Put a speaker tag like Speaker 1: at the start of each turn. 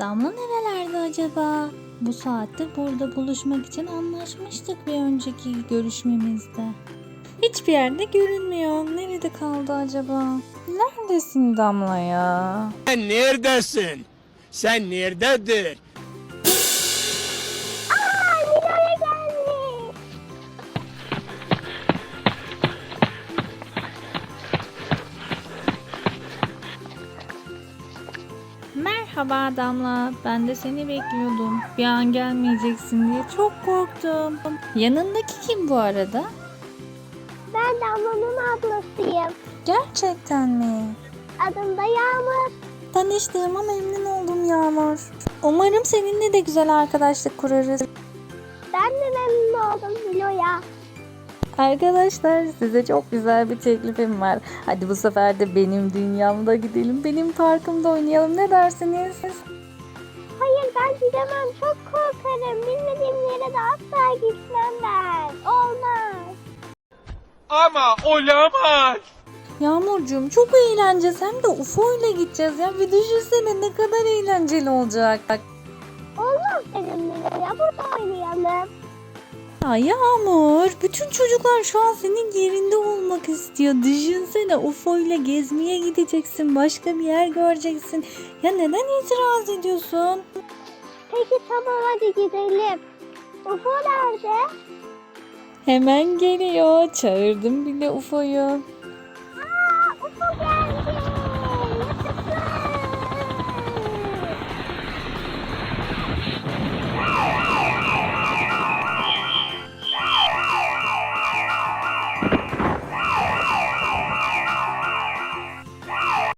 Speaker 1: Damla nerelerde acaba? Bu saatte burada buluşmak için anlaşmıştık bir önceki görüşmemizde. Hiçbir yerde görünmüyor. Nerede kaldı acaba? Neredesin Damla ya?
Speaker 2: Sen neredesin? Sen nerededir?
Speaker 3: Nilo'ya gelmiş.
Speaker 1: Merhaba Damla. Ben de seni bekliyordum. Bir an gelmeyeceksin diye çok korktum. Yanındaki kim bu arada?
Speaker 3: Ben Damla'nın ablasıyım.
Speaker 1: Gerçekten mi?
Speaker 3: Adım da Yağmur.
Speaker 1: Tanıştığıma memnun oldum Yağmur. Umarım seninle de güzel arkadaşlık kurarız.
Speaker 3: Ben de memnun oldum Nilo'ya.
Speaker 1: Arkadaşlar size çok güzel bir teklifim var. Hadi bu sefer de benim dünyamda gidelim. Benim parkımda oynayalım. Ne dersiniz?
Speaker 3: Hayır ben gidemem. Çok korkarım. Bilmediğim yere de asla gitmem ben. Olmaz.
Speaker 2: Ama olamaz.
Speaker 1: Yağmurcuğum çok eğleneceğiz. Hem de UFO ile gideceğiz ya. Bir düşünsene ne kadar eğlenceli olacak.
Speaker 3: Olmaz dedim Nilo'ya. Burada oynayalım.
Speaker 1: Ya Yağmur, bütün çocuklar şu an senin yerinde olmak istiyor. Düşünsene UFO ile gezmeye gideceksin. Başka bir yer göreceksin. Ya neden itiraz ediyorsun?
Speaker 3: Peki tamam hadi gidelim. UFO nerede?
Speaker 1: Hemen geliyor. Çağırdım bile UFO'yu.